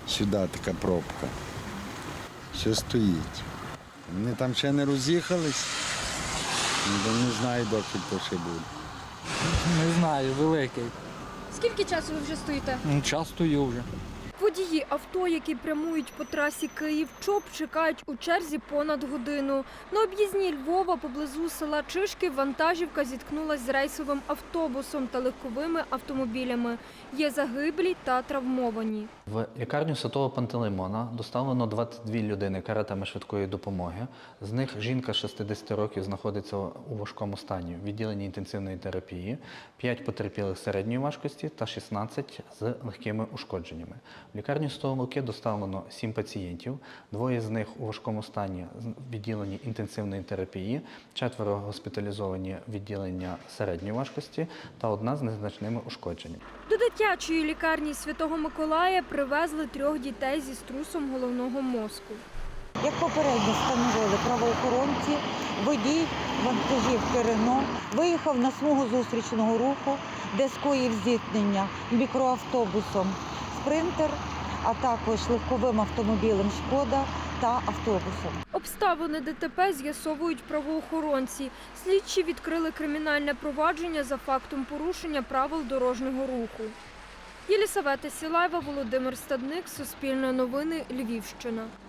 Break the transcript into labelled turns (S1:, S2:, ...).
S1: сюди така пробка. Все стоїть. Вони там ще не роз'їхались, не знаю, доки то ще буде.
S2: Не знаю, великий.
S3: Скільки часу ви вже стоїте?
S2: Час стою вже.
S3: Водії авто, які прямують по трасі Київ-Чоп, чекають у черзі понад годину. На об'їзній Львова поблизу села Чишки вантажівка зіткнулася з рейсовим автобусом та легковими автомобілями. Є загиблі та травмовані.
S4: В лікарню Святого Пантелеймона доставлено 22 людини каретами швидкої допомоги. З них жінка 60 років знаходиться у важкому стані в відділенні інтенсивної терапії, 5 потерпілих середньої важкості та 16 з легкими ушкодженнями. В лікарню Святого Луки доставлено 7 пацієнтів, 2 з них у важкому стані в відділенні інтенсивної терапії, 4 госпіталізовані в відділення середньої важкості та 1 з незначними ушкодженнями.
S3: До дитячої лікарні Святого Миколая привезли 3 дітей зі струсом головного мозку.
S5: Як попередньо встановили правоохоронці, водій вантажівки «Рено» виїхав на смугу зустрічного руху, де скоїв зіткнення мікроавтобусом «Спринтер», а також легковим автомобілем «Шкода» та автобусом.
S3: Обставини ДТП з'ясовують правоохоронці. Слідчі відкрили кримінальне провадження за фактом порушення правил дорожнього руху. Єлісавета Сілаєва, Володимир Стадник, Суспільне новини, Львівщина.